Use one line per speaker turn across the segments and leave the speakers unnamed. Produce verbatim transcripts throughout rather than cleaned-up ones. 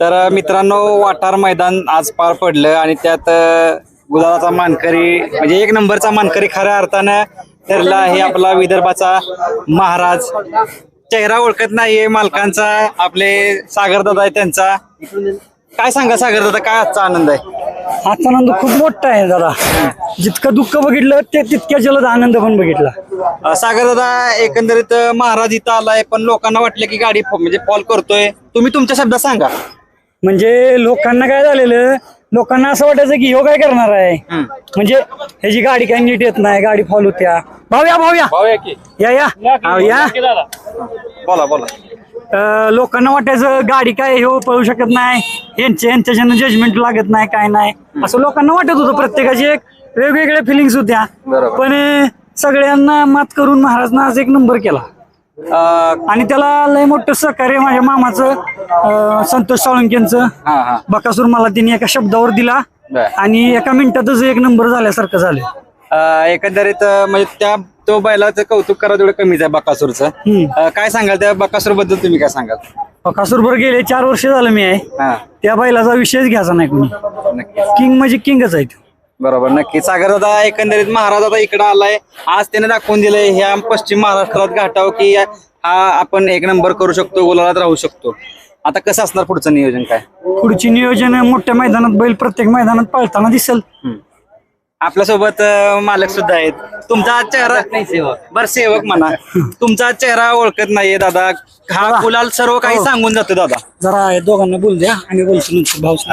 तर मित्रांनो, वाटार मैदान आज पार पडलं आणि त्यात गुलाबाचा मानकरी म्हणजे एक नंबरचा मानकरी खऱ्या अर्थानं ठरला आहे आपला विदर्भाचा महाराज. चेहरा ओळखत नाहीये मालकांचा, आपले सागर दादा आहे त्यांचा. काय सांगा सागर दादा, काय आजचा आनंद आहे?
आजचा आनंद खूप मोठा आहे दादा. जितकं दुःख बघितलं ते तितक्या जलद आनंद पण बघितला.
सागर दादा, एकंदरीत महाराज इथं आलाय पण लोकांना वाटलं की गाडी म्हणजे फॉल करतोय, तुम्ही तुमच्या शब्दात सांगा.
म्हणजे लोकांना काय झालेलं, लोकांना असं वाटायचं की ह्यो काय करणार आहे, म्हणजे ह्याची गाडी काय नीट येत नाही, गाडी फॉल होत्या. भाऊया भाऊया या या अहो, या
बोला बोला.
अं, लोकांना वाटायचं गाडी काय ह्यो पळू शकत नाही, यांच्या यांच्याच्यानं जजमेंट लागत नाही, काय नाही असं लोकांना वाटत होतं. प्रत्येकाची एक वेगवेगळ्या फिलिंग्स होत्या. पण अं, सगळ्यांना मात करून महाराजनं आज एक नंबर केला. आणि त्याला लय मोठं सहकार्य माझ्या मामाचं अं, संतोष साळुंकेंचं. बकासूर मला तिने एका शब्दावर दिला आणि एका मिनिटातच एक नंबर झाल्यासारखं झालं.
एकंदरीत म्हणजे त्या तो बैलाचं कौतुक करा तेवढं कमीच आहे बकासूरचं. काय सांगाल त्या बकासूर बद्दल, तुम्ही काय सांगाल?
बकासूर बरोबर गेले चार वर्ष झालं मी आहे, त्या बैलाचा विषयच घ्यायचा नाही कोणी. किंग म्हणजे किंगच आहे.
बरोबर, नक्की. सागर दादा, एकंदरीत महाराज आता इकडे आलाय, आज त्याने दाखवून दिलंय ह्या पश्चिम महाराष्ट्रात घाटाव की हा आपण एक नंबर करू शकतो, गुलालात राहू शकतो. आता कसं असणार पुढचं नियोजन? काय
पुढची नियोजन? मोठ्या मैदानात बैल प्रत्येक मैदानात पळताना दिसेल.
आपल्यासोबत मालक सुद्धा आहेत. तुमचा चेहरा बर सेवक म्हणा, तुमचा चेहरा ओळखत नाहीये दादा. हा गुलाल सर्व काही सांगून जातो दादा.
जरा दोघांना बोल द्या आणि बोलतो नंतर. भाऊ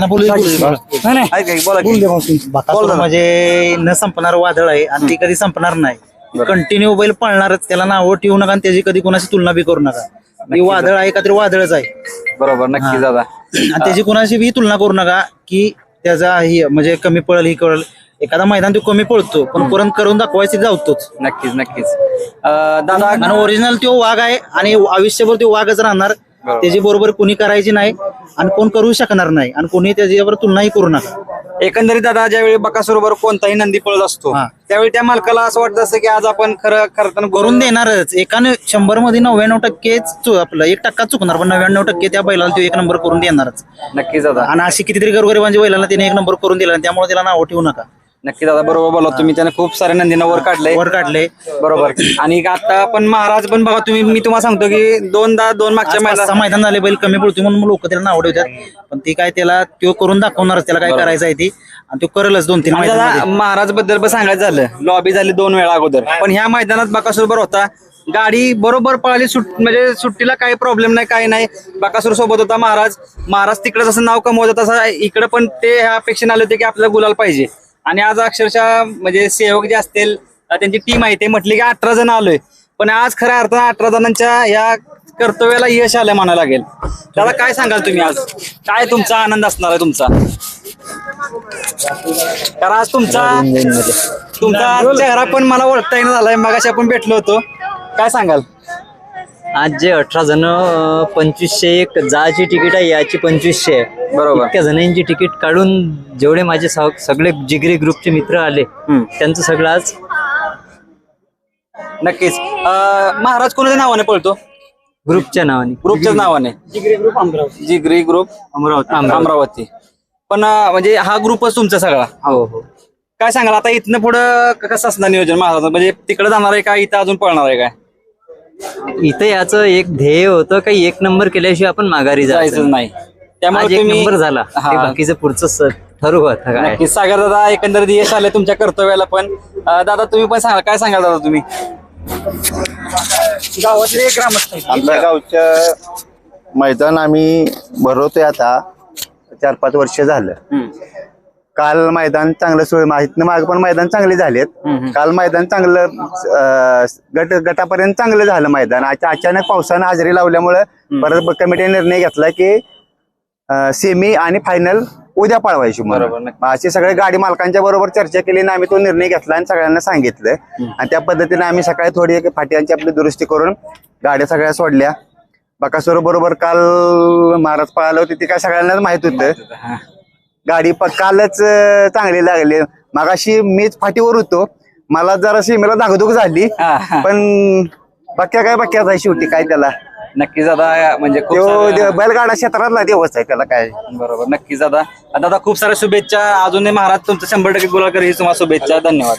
बकासूर म्हणजे न संपणार वादळ आहे आणि ती कधी संपणार नाही. कंटिन्यू बैल पळणारच, त्याला नावं ठेवू नका आणि त्याची कधी कोणाची तुलना बी करू नका. ती वादळ आहे का तरी वादळच आहे.
बरोबर, नक्की दादा.
आणि त्याची कोणाशी बी तुलना करू नका की त्याचा ही म्हणजे कमी पळल ही कळल. एखादा मैदान तो कमी पळतो पण परत करून दाखवायचे जावतोच.
नक्कीच नक्कीच दादा.
आणि ओरिजिनल तो वाघ आहे आणि आयुष्यभर तो वाघच राहणार. त्याची बरोबर कोणी करायची नाही आणि कोण करू शकणार नाही आणि कोणी त्याच्याबरोबर तुलनाही करू नका.
एकंदरीत दादा, ज्यावेळी बकासूरबरोबर कोणताही नंदी पळत असतो त्यावेळी त्या मालकाला असं वाटत असतं की आज आपण खरं खरं
करून देणारच. एकाने शंभर मध्ये नव्याण्णव टक्केच आपलं एक टक्का चुकणार पण नव्याण्णव टक्के त्या बैलाला तो एक नंबर करून देणारच.
नक्कीच दादा.
आणि अशी कितीतरी गरगरीबांच्या बैलाला त्याने एक नंबर करून दिला, त्यामुळे त्याला नाव ठेवू नका.
नक्की दादा, बरोबर बोला तुम्ही. त्याने खूप सारे नंदीनं वर काढले
वर काढले
बरोबर. आणि आता पण महाराज पण बघा तुम्ही, मी तुम्हाला सांगतो की दोनदा दोन मागच्या मैदान
मैदान झाले, बैल कमी पडतो म्हणून लोक त्याला नाव ठेवतात. पण ती काय त्याला तो करून दाखवणारच, त्याला काय करायचं आहे ती आणि तो करेलच दोन तीन.
दादा, महाराज बद्दल पण सांगायचं झालं, लॉबी झाली दोन वेळा अगोदर, पण ह्या मैदानात बकासूर बरोबर होता. गाडी बरोबर पळाली, सुट म्हणजे सुट्टीला काही प्रॉब्लेम नाही, काही नाही. बकासूर सोबत होता महाराज. महाराज तिकडे जसं नाव कमवत तसं इकडे पण ते ह्या अपेक्षेने आले होते की आपल्याला गुलाल पाहिजे. आणि आज अक्षरशः म्हणजे सेवक जे असतील त्यांची टीम आहे, ते म्हटले की अठरा जण आलोय, पण आज खऱ्या अर्थानं अठरा जणांच्या या कर्तव्याला यश आलं म्हणायला लागेल. त्याला काय सांगाल तुम्ही? आज काय तुमचा आनंद असणार आहे तुमचा? कारण आज तुमचा तुमचा चेहरा पण मला ओळखता येणं झालाय, मगाशी आपण भेटलो होतो. काय सांगाल?
आज जे अठरा जण पंचवीसशे एक जायची तिकीट आहे, याची पंचवीसशे आहे.
बरोबर.
इतक्या जणांची तिकीट काढून जेवढे माझे सगळे जिगरी ग्रुपचे मित्र आले त्यांचं सगळं आज.
नक्कीच. महाराज कोणाच्या नावाने पळतो?
ग्रुपच्या नावाने.
ग्रुपच्याच नावाने, जिगरी ग्रुप अमरावती. जिगरी ग्रुप अमरावती अमरावती पण म्हणजे हा ग्रुपच तुमचा सगळा?
हो हो.
काय सांगाल आता इथनं पुढं कसं असणार नियोजन महाराज? म्हणजे तिकडे जाणार आहे का इथं अजून पळणार आहे काय?
इथं याचं एक ध्येय होतं काही एक नंबर केल्याशिवाय आपण माघारी
जायचं नाही, त्यामुळे
एक नंबर झाला. बाकीचं पुढचं ठरवू आता काय.
नक्की. सागर दादा, एकंदरीत यश आले तुमच्या कर्तव्याला पण. दादा तुम्ही पण सांगा, काय सांगाल दादा तुम्ही?
गावातले ग्रामस्थ
आमच्या गावच्या मैदान आम्ही भरवतोय आता चार पाच वर्ष झालं. काल मैदान चांगलं सोय माहितनं माग पण मैदान चांगले झालेत. काल मैदान चांगलं गट गटापर्यंत चांगलं झालं मैदान. अचानक पावसानं हजेरी लावल्यामुळं परत कमिटीने निर्णय घेतला की सेमी आणि फायनल उद्या पळवायची. बरोबर. अशी सगळ्या गाडी मालकांच्या बरोबर चर्चा केली आणि आम्ही तो निर्णय घेतला आणि सगळ्यांना सांगितलं. आणि त्या पद्धतीने आम्ही सकाळी थोडी फाट्यांची आपली दुरुस्ती करून गाड्या सगळ्या सोडल्या. बकासूर बरोबर काल महाराज पळालं होते ते काय सगळ्यांनाच माहित होतं. गाडी कालच चांगली लागली. मगाशी मीच फाटीवर होतो, मला जरा सीमेला धाकधूक झाली, पण बाक्या काय बाक्याच आहे शेवटी, काय त्याला
नक्कीच दादा म्हणजे खूप
तो
साऱ्या-
दे- बैलगाडा क्षेत्रातला दिवस आहे त्याला काय
बरोबर नक्कीच दादा दादा खूप साऱ्या शुभेच्छा अजूनही महाराज तुमचं शंभर टक्के गुलाल करी तुम्हाला शुभेच्छा धन्यवाद